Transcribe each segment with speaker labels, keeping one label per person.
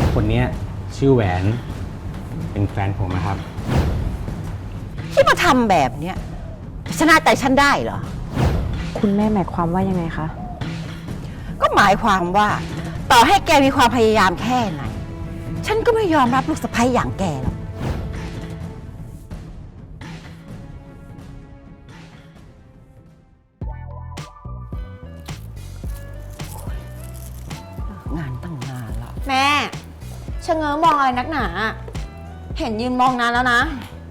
Speaker 1: คนนี้ชื่อแหวนเป็นแฟนผมนะครับ
Speaker 2: ที่มาทำแบบเนี้ยจะชนะใจฉันได้เหรอ
Speaker 3: คุณแม่หมายความว่ายังไงคะ
Speaker 2: ก็หมายความว่าต่อให้แกมีความพยายามแค่ไหนฉันก็ไม่ยอมรับลูกสะใภ้อย่างแกหรอกงานตั้งนานแล้ว
Speaker 4: แม่ชะเง้อมองอะไรนักหนา เห็นยืนมองนานแล้วนะ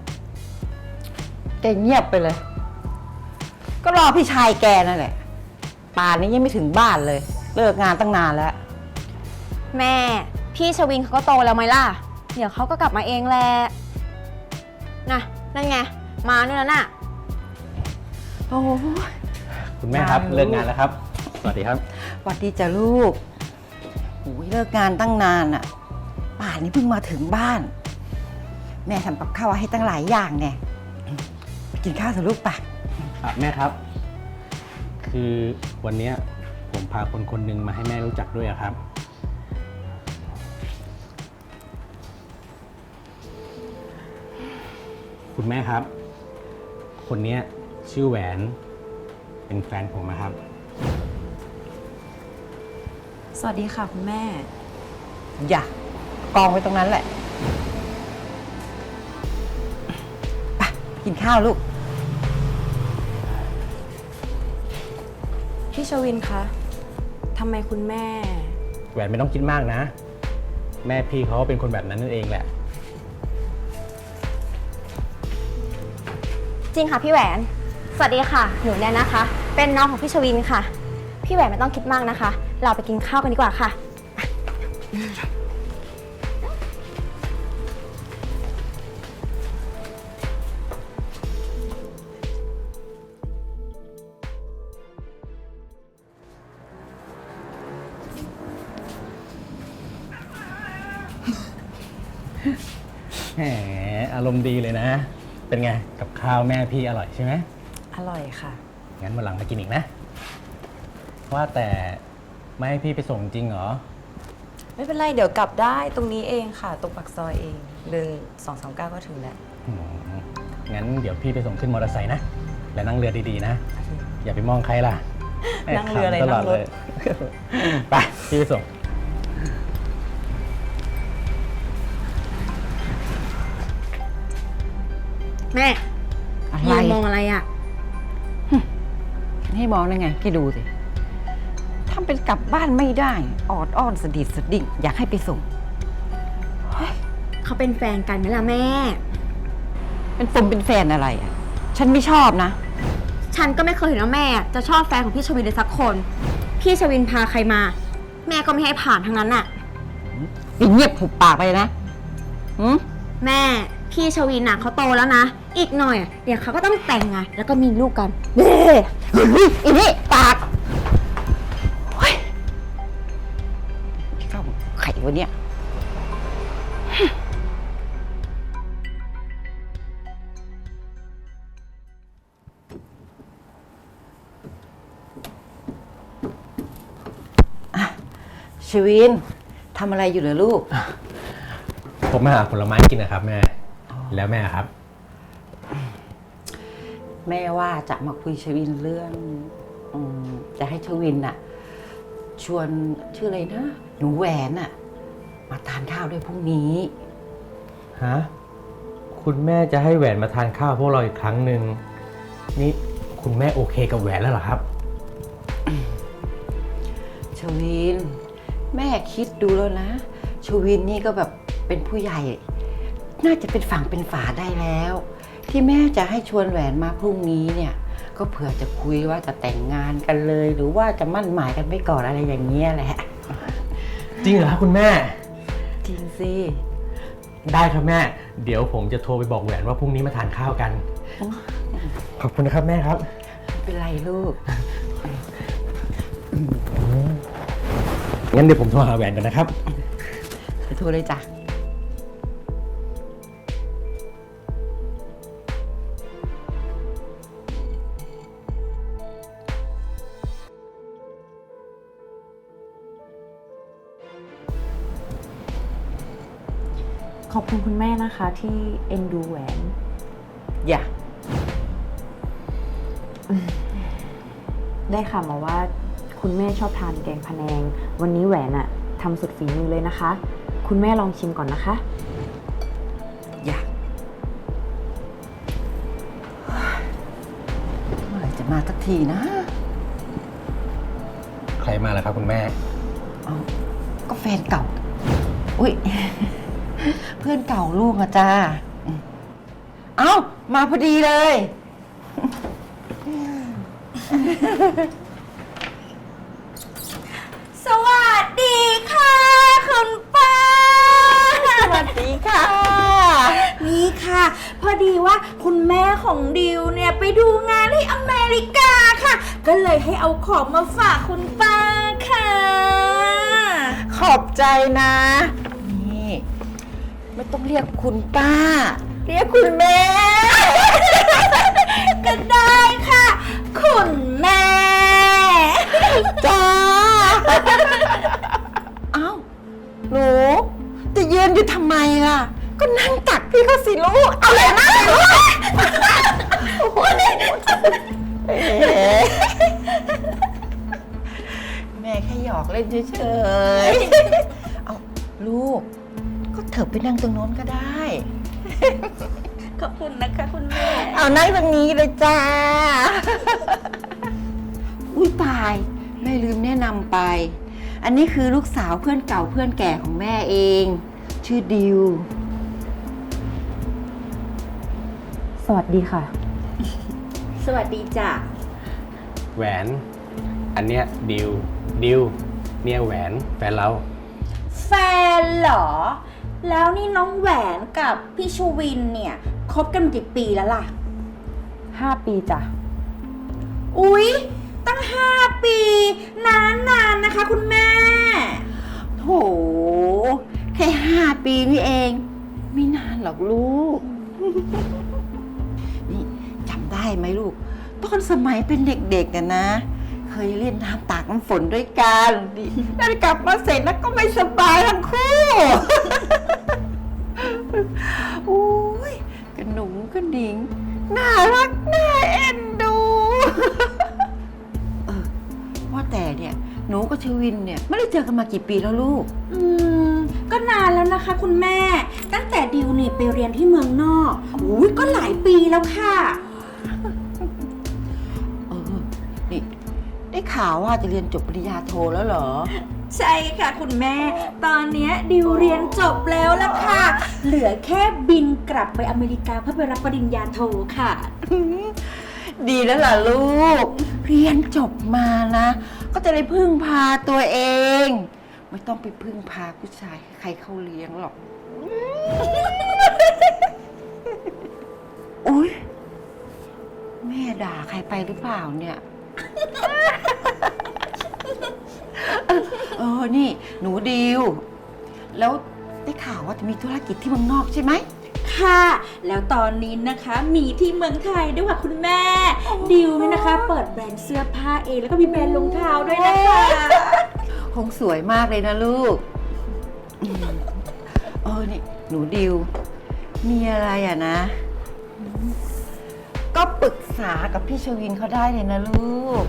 Speaker 2: แกเงียบไปเลย ก็รอพี่ชายแกนั่นแหละป่านนี้ยังไม่ถึงบ้านเลย เลิกงานตั้งนานแล้ว
Speaker 4: แม่พี่ชวินเขาก็โตแล้วไหมล่ะ เดี๋ยวเขาก็กลับมาเองแหละนะนั่นไงมาเนี่ยแล้วน่ะ
Speaker 2: โอ้ย
Speaker 1: คุณแม่ครับ
Speaker 2: มาลูก
Speaker 1: เลิกงานแล้วครับสวัสดีครับ
Speaker 2: สวัสดีจ้ะลูกโอ้ยเลิกงานตั้งนานอะป่านนี้เพิ่งมาถึงบ้าน แม่ทำกับข้าวให้ตั้งหลายอย่างเนี่ยไปกินข้าวเถอะลูกปะ
Speaker 1: แม่ครับ คือวันนี้ผมพาคนคนหนึ่งมาให้แม่รู้จักด้วยอะครับ คุณแม่ครับ คนนี้ชื่อแหวนเป็นแฟนผมนะครับ
Speaker 3: สวัสดีค่ะคุณแม่
Speaker 2: อย่ากองไว้ตรงนั้นแหละไปกินข้าวลูก
Speaker 3: พี่ชวินคะทำไมคุณแม่
Speaker 1: แหวนไม่ต้องคิดมากนะ แม่พี่เขาเป็นคนแบบนั้นนั่นเองแหละ
Speaker 4: จริงค่ะพี่แหวน สวัสดีค่ะหนูแนนนะคะ เป็นน้องของพี่ชวินค่ะ พี่แหวนไม่ต้องคิดมากนะคะ เราไปกินข้าวกันดีกว่าค่ะ
Speaker 1: แหมอารมณ์ดีเลยนะ เป็นไงกับข้าวแม่พี่อร่อยใช่ไหม
Speaker 3: อร่อยค่ะ
Speaker 1: งั้นวันหลังมากินอีกนะ ว่าแต่ไม่ให้พี่ไปส่งจริงเหรอ
Speaker 3: ไม่เป็นไรเดี๋ยวกลับได้ตรงนี้เองค่ะตรงปากซอยเอง1239ก็ถึงแล้ว
Speaker 1: อืมงั้นเดี๋ยวพี่ไปส่งขึ้นมอเตอร์ไซค์นะ และนั่งเรือดีๆนะ อย่าไปมองใครล่ะ
Speaker 3: นั่งเรืออะไร
Speaker 1: ขำตล
Speaker 3: นั่
Speaker 1: ด
Speaker 3: งรถ
Speaker 1: เลย ไปพี่ไปส่ง
Speaker 4: แม่
Speaker 2: อะไร
Speaker 4: ยืนมองอะไรอ่ะ
Speaker 2: ให้มองได้ไงแกดูสิทำเป็นกลับบ้านไม่ได้ออดอ้อนสะดิดสะดิ้งอยากให้ไปส่ง
Speaker 4: เขาเป็นแฟนกันไหมล่ะแม่
Speaker 2: เป็นฟมเป็นแฟนอะไรอ่ะ ฉันไม่ชอบนะ
Speaker 4: ฉันก็ไม่เคยเห็นว่าแม่จะชอบแฟนของพี่ชวินเลยสักคน พี่ชวินพาใครมา แม่ก็ไม่ให้ผ่านทั้งนั้นน่ะ
Speaker 2: เงียบหุบปากไปเลยนะหืม
Speaker 4: แม่พี่ชวินน่ะเขาโตแล้วนะ อีกหน่อยเดี๋ยวเขาก็ต้องแต่งงานแล้วก็มีลูกกันเด้
Speaker 2: อีนี่ปากเฮ้ยเข้าไข่วะเนี่ยอ่ะชวินทำอะไรอยู่เหรอลูก
Speaker 1: ผมมาหาผลไม้กินนะครับแม่ แล้วแม่ครับ
Speaker 2: แม่ว่าจะมาคุยชวินเรื่องจะให้ชวินน่ะ ชวนชื่ออะไรนะ หนูแหวนน่ะ มาทานข้าวด้วยพรุ่งนี้
Speaker 1: ฮะ คุณแม่จะให้แหวนมาทานข้าวพวกเราอีกครั้งหนึ่ง นี่คุณแม่โอเคกับแหวนแล้วเหรอครับ
Speaker 2: ชวิน แม่คิดดูแล้วนะ ชวินนี่ก็แบบเป็นผู้ใหญ่ น่าจะเป็นฝั่งเป็นฝาได้แล้ว ที่แม่จะให้ชวนแหวนมาพรุ่งนี้เนี่ย ก็เผื่อจะคุยว่าจะแต่งงานกันเลย หรือว่าจะมั่นหมายกันไปก่อนอะไรอย่างเงี้ยแหละ
Speaker 1: จริงเหรอครับคุณแม่
Speaker 2: จริงสิ
Speaker 1: ได้ครับแม่ เดี๋ยวผมจะโทรไปบอกแหวนว่าพรุ่งนี้มาทานข้าวกัน ขอบคุณนะครับแม่ครับ
Speaker 2: ไม่เป็นไรลูก
Speaker 1: งั้นเดี๋ยวผมโทรหาแหวนกันนะครับ
Speaker 2: ไปโทรเลยจ้ะ
Speaker 3: ขอบคุณคุณแม่นะคะที่เอ็นดูแหวน
Speaker 2: อย่า
Speaker 3: ได้ข่าวมาว่าคุณแม่ชอบทานแกงพะแนง วันนี้แหวนอะทำสุดฝีมือเลยนะคะ คุณแม่ลองชิมก่อนนะคะ
Speaker 2: อย่าเมื่อไหร่จะมาสักทีนะ
Speaker 1: ใครมาแล้วครับคุณแม่
Speaker 2: เอาก็แฟนเก่า อุ้ย เพื่อนเก่าลูกอะจ้าเอ้า มาพอดีเลย
Speaker 5: สวัสดีค่ะคุณป้า
Speaker 2: สวัสดีค่ะ
Speaker 5: นี่ค่ะ พอดีว่าคุณแม่ของดิวเนี่ยไปดูงานที่อเมริกาค่ะ ก็เลยให้เอาของมาฝากคุณป้าค่ะ
Speaker 2: ขอบใจนะ นี่ ไม่ต้องเรียกคุณป้า เรียกคุณแม่
Speaker 5: ก็ได้ค่ะ คุณแม่
Speaker 2: จ้า เอ้า หนูจะยืนอยู่ทำไมล่ะ ก็นั่งตักพี่เขาสิลูก เอาเลยนะลูกแม่แค่หยอกเล่นเฉยๆ เอาลูก ก็เถิบไปนั่งตรงโน้นก็ได้
Speaker 5: ขอบคุณนะคะคุณแม่
Speaker 2: เอานั่งตรงนี้เลยจ้า อุ้ยตาย แม่ลืมแนะนำไป อันนี้คือลูกสาวเพื่อนเก่าเพื่อนแก่ของแม่เอง ชื่อดิว
Speaker 3: สวัสดีค่ะ
Speaker 5: สวัสดีจ้ะ
Speaker 1: แหวน อันเนี้ยดิวเนี่ยแหวนแฟนเรา
Speaker 5: แฟนเหรอ แล้วนี่น้องแหวนกับพี่ชูวินเนี่ยคบกันกี่ปีแล้วล่ะ
Speaker 3: 5 ปีจ้ะ
Speaker 5: อุ๊ย ตั้ง 5 ปี นานนะคะคุณแม่
Speaker 2: โถแค่5 ปีนี่เอง ไม่นานหรอกลูก นี่จำได้ไหมลูก ตอนสมัยเป็นเด็กๆกันนะ เคยเล่นน้ำตากน้ำฝนด้วยกันดิแล้วกลับมาเสร็จแล้วก็ไม่สบายทั้งคู่ อุ้ยกระหนุ่งกระดิ่งน่ารักน่าเอ็นดู ว่าแต่เนี่ยหนูกับชวินเนี่ยไม่ได้เจอกันมากี่ปีแล้วลูก
Speaker 5: ก็นานแล้วนะคะคุณแม่ ตั้งแต่ดิวนี่ไปเรียนที่เมืองนอกอุ๊ยก็หลายปีแล้วค่ะ
Speaker 2: นี่ได้ข่าวว่าจะเรียนจบปริญญาโทแล้วเหรอ
Speaker 5: ใช่ค่ะคุณแม่ ตอนเนี้ยดิวเรียนจบแล้วล่ะค่ะ เหลือแค่บินกลับไปอเมริกาเพื่อไปรับปริญญาโทค่ะ
Speaker 2: ดีแล้วล่ะลูก เรียนจบมานะ ก็จะได้พึ่งพาตัวเอง ไม่ต้องไปพึ่งพาผู้ชายให้ใครเขาเลี้ยงหรอก อุ๊ย แม่ด่าใครไปหรือเปล่าเนี่ย นี่ หนูดิว แล้วได้ข่าวว่าจะมีธุรกิจที่เมืองนอกใช่ไหม
Speaker 5: ค่ะ แล้วตอนนี้นะคะมีที่เมืองไทยด้วยค่ะคุณแม่ ดิวเนี่ยนะคะ เปิดแบรนด์เสื้อผ้าเองแล้วก็มีแบรนด์รองเท้าด้วยนะคะ
Speaker 2: คงสวยมากเลยนะลูก นี่ หนูดิว มีอะไรอ่ะนะ ก็ปรึกษากับพี่ชวินเขาได้เลยนะลูก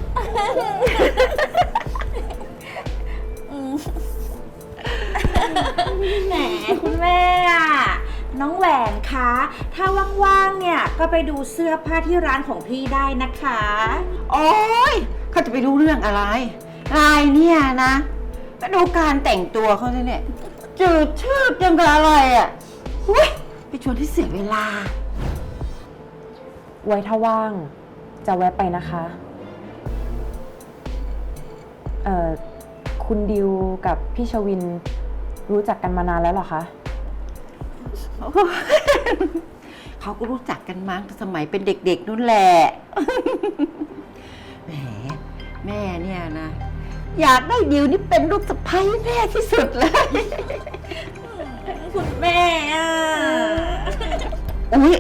Speaker 5: แหมคุณแม่อะน้องแหวนคะ ถ้าว่างๆเนี่ยก็ไปดูเสื้อผ้าที่ร้านของพี่ได้นะคะ
Speaker 2: โอ๊ยเขาจะไปรู้เรื่องอะไรรายเนี่ยนะก็ดูการแต่งตัวเขาเนี่ยจืดชืดยังกับอะไรอ่ะหุ้ยไปชวนที่เสียเวลา
Speaker 3: ไว้ถ้าว่างจะแวะไปนะคะ คุณดิวกับพี่ชวินรู้จักกันมานานแล้วเหรอคะ
Speaker 2: เขาก็รู้จักกันมาตั้งแต่สมัยเป็นเด็กๆนู่นแหละ แหมแม่เนี่ยนะ อยากได้ดิวนี่เป็นลูกสะใภ้แน่ที่สุดเลย
Speaker 5: คุณแม่อะ
Speaker 2: อุ๊ย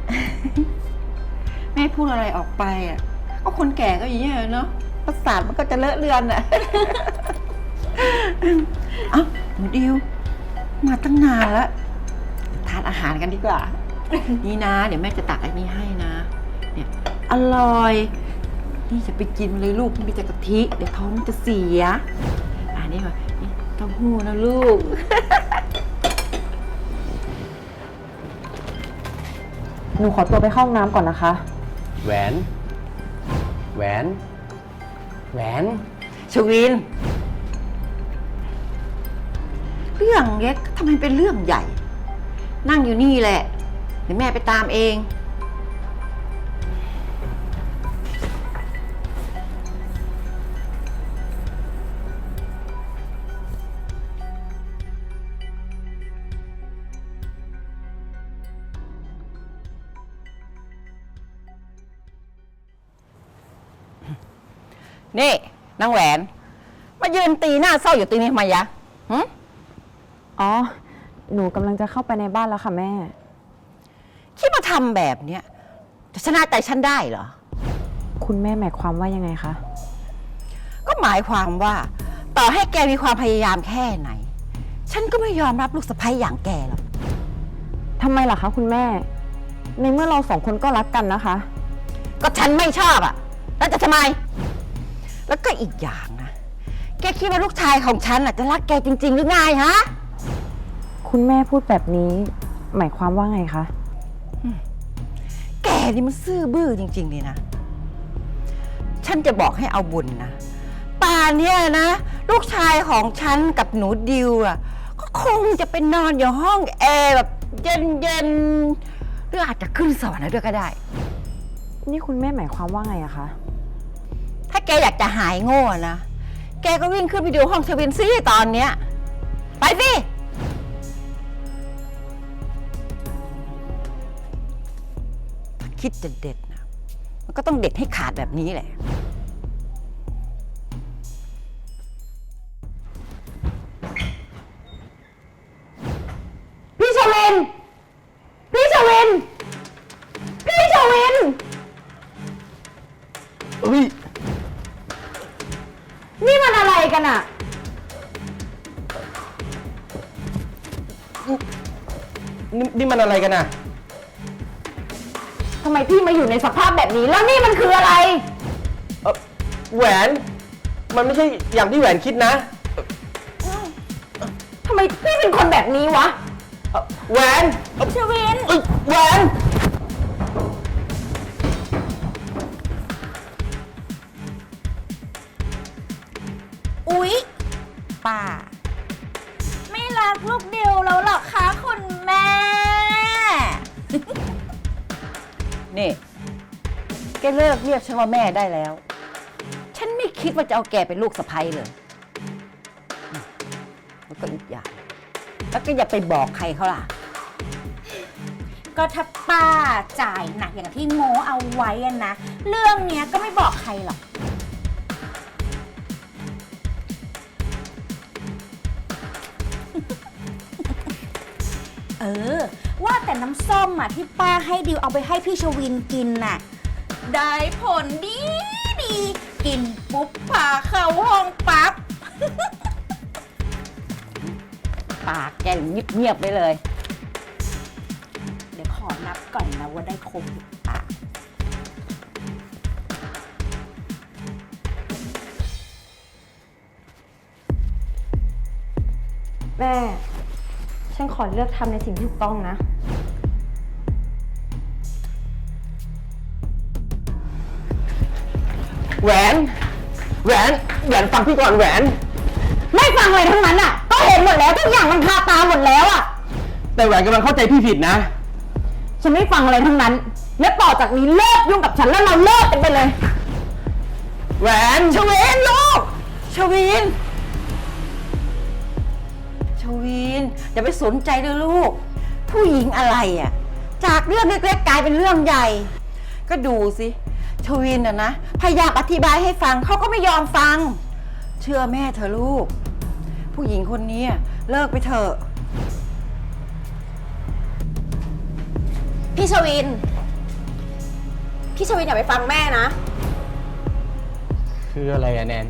Speaker 2: แม่พูดอะไรออกไปอ่ะ ก็คนแก่ก็อย่างนี้ยเนาะประสาทมันก็จะเลอะเลือนอ่ะ เอ้าหนูดิว มาตั้งนานแล้วอาหารกันดีกว่า นี่นะ เดี๋ยวแม่จะตักไอ้นี่ให้นะ เนี่ยอร่อย นี่จะไปกินเลยลูกมีแต่กะทิ เดี๋ยวท้องมันจะเสียนี่ค่ะนี่เต้าหู้นะลูก
Speaker 3: หนูขอตัวไปเข้าห้องน้ำก่อนนะคะ
Speaker 1: แหวน แหวน แหวน
Speaker 2: ชวิน เรื่องเล็กทำไมเป็นเรื่องใหญ่ นั่งอยู่นี่แหละ เดี๋ยวแม่ไปตามเอง นี่นางแหวน มายืนตีหน้าเศร้าอยู่ตรงนี้ทำไมยะหึ
Speaker 3: อ๋อ หนูกำลังจะเข้าไปในบ้านแล้วค่ะแม่
Speaker 2: คิดมาทำแบบเนี้ยจะชนะใจฉันได้เหรอ
Speaker 3: คุณแม่หมายความว่ายังไงคะ
Speaker 2: ก็หมายความว่า ต่อให้แกมีความพยายามแค่ไหน ฉันก็ไม่ยอมรับลูกสะใภ้อย่างแกหรอก
Speaker 3: ทำไมล่ะคะคุณแม่ ในเมื่อเราสองคนก็รักกันนะคะ
Speaker 2: ก็ฉันไม่ชอบอ่ะ แล้วจะทำไม แล้วก็อีกอย่างนะ แกคิดว่าลูกชายของฉันจะรักแกจริง ๆ หรือไงฮะ
Speaker 3: คุณแม่พูดแบบนี้ หมายความว่าไงคะ
Speaker 2: แกนี่มันซื่อบื้อจริงๆเลยนะ ฉันจะบอกให้เอาบุญนะ ป่านเนี้ยนะ ลูกชายของฉันกับหนูดิวก็คงจะไปนอนอยู่ห้องแอร์แบบเย็นๆหรืออาจจะขึ้นสวรรค์ด้วยก็ได้
Speaker 3: นี่คุณแม่หมายความว่าไงอะคะ
Speaker 2: ถ้าแกอยากจะหายโง่นะ แกก็วิ่งขึ้นไปดูห้องชวินซี่ตอนเนี้ย ไปสิถ้าคิดจะเด็ดนะ มันก็ต้องเด็ดให้ขาดแบบนี้แหละ
Speaker 3: พี่ชวิน พี่ชวิน พี่ชวิน
Speaker 1: เฮ้ย
Speaker 3: นี่มันอะไรกันอะ
Speaker 1: นี่มันอะไรกันน่ะ
Speaker 3: ทำไมพี่มาอยู่ในสภาพแบบนี้ แล้วนี่มันคืออะไร
Speaker 1: แหวน มันไม่ใช่อย่างที่แหวนคิดนะ
Speaker 3: ทำไมพี่เป็นคนแบบนี้วะ
Speaker 1: แหวน
Speaker 5: ชวิน
Speaker 1: แหวน
Speaker 5: อุ๊ยป้า ไม่รักลูกดิวแล้วหรอคะคุณแม่
Speaker 2: นี่ แกเลิกเรียกฉันว่าแม่ได้แล้ว ฉันไม่คิดว่าจะเอาแกเป็นลูกสะใภ้เลยแล้วก็อีกอย่าง แล้วก็อย่าไปบอกใครเขาล่ะ
Speaker 5: ก็ถ้าป้าจ่ายหนักอย่างที่โง่เอาไว้อะนะ เรื่องเนี้ยก็ไม่บอกใครหรอก เออ ว่าแต่น้ำส้มอ่ะที่ป้าให้ดิวเอาไปให้พี่ชวินกินน่ะ ได้ผลดีดี กินปุ๊บพาเข้าห้องปั๊บ
Speaker 2: ปากแกเงียบๆไปเลย
Speaker 5: เดี๋ยวขอนับก่อนนะว่าได้ครบหรือเปล่า
Speaker 4: แม่ ฉันขอเลือกทำในสิ่งที่ถูกต้องนะ
Speaker 1: แหวน แหวน แหวนฟังพี่ก่อนแหวน
Speaker 3: ไม่ฟังเลยทั้งนั้นอะก็เห็นหมดแล้วทุกอย่างมันคาตาหมดแล้วอะ
Speaker 1: แต่แหวนกำลังเข้าใจพี่ผิดนะ
Speaker 3: ฉันไม่ฟังอะไรทั้งนั้น และต่อจากนี้เลิกยุ่งกับฉันแล้วเราเลิกกันไปเลย
Speaker 1: แหวน
Speaker 2: ชวินลูก ชวิน ชวินอย่าไปสนใจเลยลูก ผู้หญิงอะไรจากเรื่องเล็กๆกลายเป็นเรื่องใหญ่ ก็ดูสิชวินนะพยายามอธิบายให้ฟังเขาก็ไม่ยอมฟัง เชื่อแม่เธอะลูก ผู้หญิงคนนี้เลิกไปเถอะ
Speaker 4: พี่ชวิน พี่ชวินอย่าไปฟังแม่นะ
Speaker 1: คืออะไรอะแนน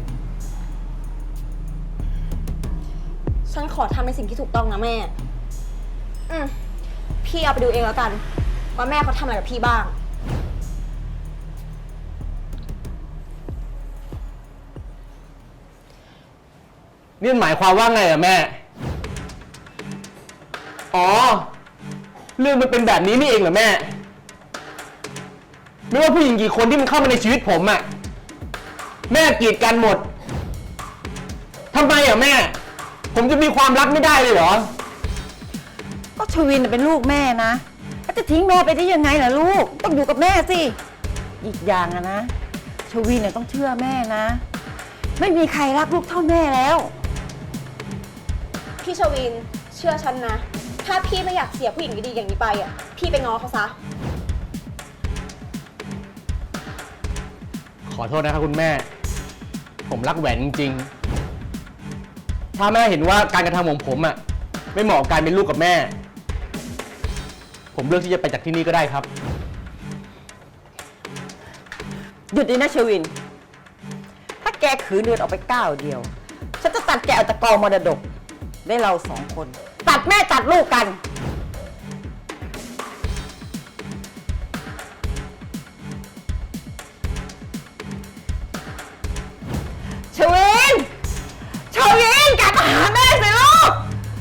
Speaker 4: ฉันขอทำในสิ่งที่ถูกต้องนะแม่พี่เอาไปดูเองแล้วกัน ว่าแม่เขาทำอะไรกับพี่บ้าง
Speaker 1: นี่หมายความว่าไงอะแม่ อ๋อ เรื่องมันเป็นแบบนี้นี่เองเหรอแม่ ไม่ว่าผู้หญิงกี่คนที่มันเข้ามาในชีวิตผมอะแม่กีดกันหมดทำไมอะแม่ ผมจะมีความรักไม่ได้เลยเหรอ
Speaker 2: ก็ชวินเป็นลูกแม่นะแล้วจะทิ้งแม่ไปได้ยังไงล่ะลูก ต้องอยู่กับแม่สิ อีกอย่างอะนะชวินเนี่ยต้องเชื่อแม่นะ ไม่มีใครรักลูกเท่าแม่แล้ว
Speaker 4: พี่ชวินเชื่อฉันนะ ถ้าพี่ไม่อยากเสียผู้หญิงดีๆอย่างนี้ไปอ่ะ พี่ไปง้อเขาซะ
Speaker 1: ขอโทษนะครับคุณแม่ ผมรักแหวนจริงๆ ถ้าแม่เห็นว่าการกระทำของผมอะไม่เหมาะกับการเป็นลูกกับแม่ ผมเลือกที่จะไปจากที่นี่ก็ได้ครับ
Speaker 2: หยุดดีนะชวิน ถ้าแกขืนเดินออกไปก้าวเดียว ฉันจะตัดแกออกจากกองมรดก ได้เราสองคน ตัดแม่ตัดลูกกัน ชวิน ชวินกลับมาหาแม่สิลูก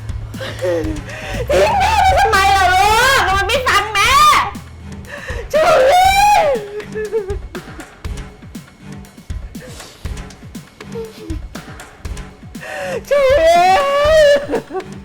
Speaker 2: ทิ้งแม่ไปทำไมล่ะลูกทำไมไม่ฟังแม่ ชวิน ชวิน